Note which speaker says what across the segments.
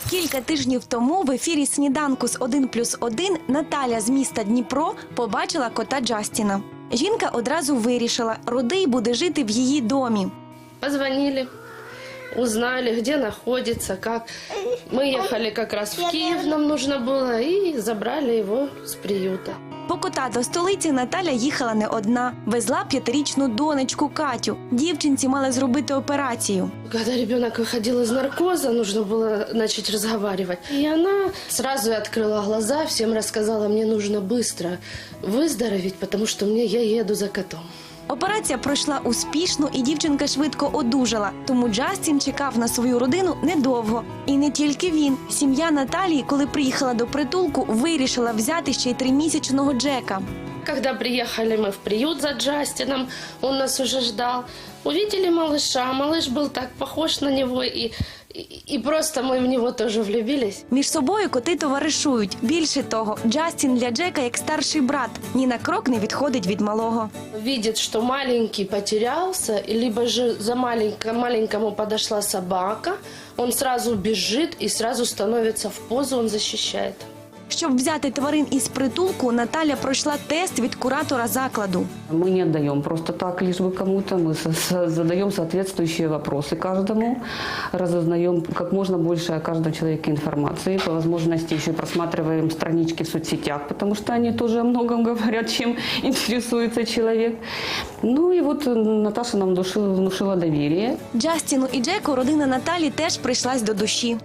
Speaker 1: Кілька тижнів тому в ефірі «Сніданку» з 1+1 Наталя з міста Дніпро побачила кота Джастіна. Жінка одразу вирішила – Рудий буде жити в її домі.
Speaker 2: Позвонили, узнали, где находится, как. Мы ехали как раз в Киев, нам нужно было, и забрали его с приюта.
Speaker 1: По кота до столиці Наталя їхала не одна. Везла 5-річну донечку Катю. Дівчинці мали зробити операцію.
Speaker 2: Когда ребенок выходил из наркоза, нужно было начать разговаривать. И она сразу открыла глаза, всем рассказала, мне нужно быстро выздороветь, потому что я еду за котом.
Speaker 1: Операція пройшла успішно і дівчинка швидко одужала. Тому Джастін чекав на свою родину недовго. І не тільки він. Сім'я Наталії, коли приїхала до притулку, вирішила взяти ще й 3-місячного Джека.
Speaker 2: Когда приехали мы в приют за Джастином, он нас уже ждал. Увидели малыша, малыш был так похож на него, и просто мы в него тоже влюбились.
Speaker 1: Між собою коти товаришують. Більше того, Джастін для Джека як старший брат. Ні на крок не відходить від малого.
Speaker 2: Видит, что маленький потерялся, либо же за маленькому подошла собака, он сразу бежит и сразу становится в позу, он защищает.
Speaker 1: Щоб взяти тварин із притулку, Наталя пройшла тест від куратора закладу.
Speaker 3: Мы не отдаем просто так, лишь бы кому-то. Мы задаем соответствующие вопросы каждому, разузнаем как можно больше о каждом человеке информации. По возможности еще просматриваем странички в соцсетях, потому что они тоже о многом говорят, чем интересуется человек. Ну и вот Наташа нам внушила доверие.
Speaker 1: Джастіну і Джеку родина Наталі теж прийшлась до душі.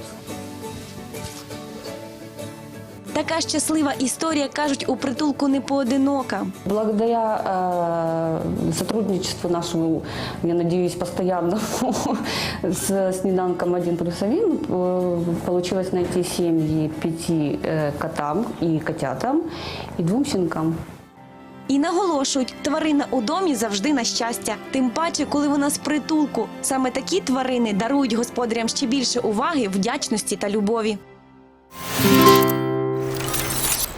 Speaker 1: Така щаслива історія, кажуть, у притулку не поодинока.
Speaker 3: Благодаря сотрудничеству нашему, я надеюсь, постоянному с «Сніданком 1+1» получилось найти семьи 5 котам и котятам и 2 щенкам.
Speaker 1: І наголошують, тварина у домі завжди на щастя. Тим паче, коли вона з притулку. Саме такі тварини дарують господарям ще більше уваги, вдячності та любові.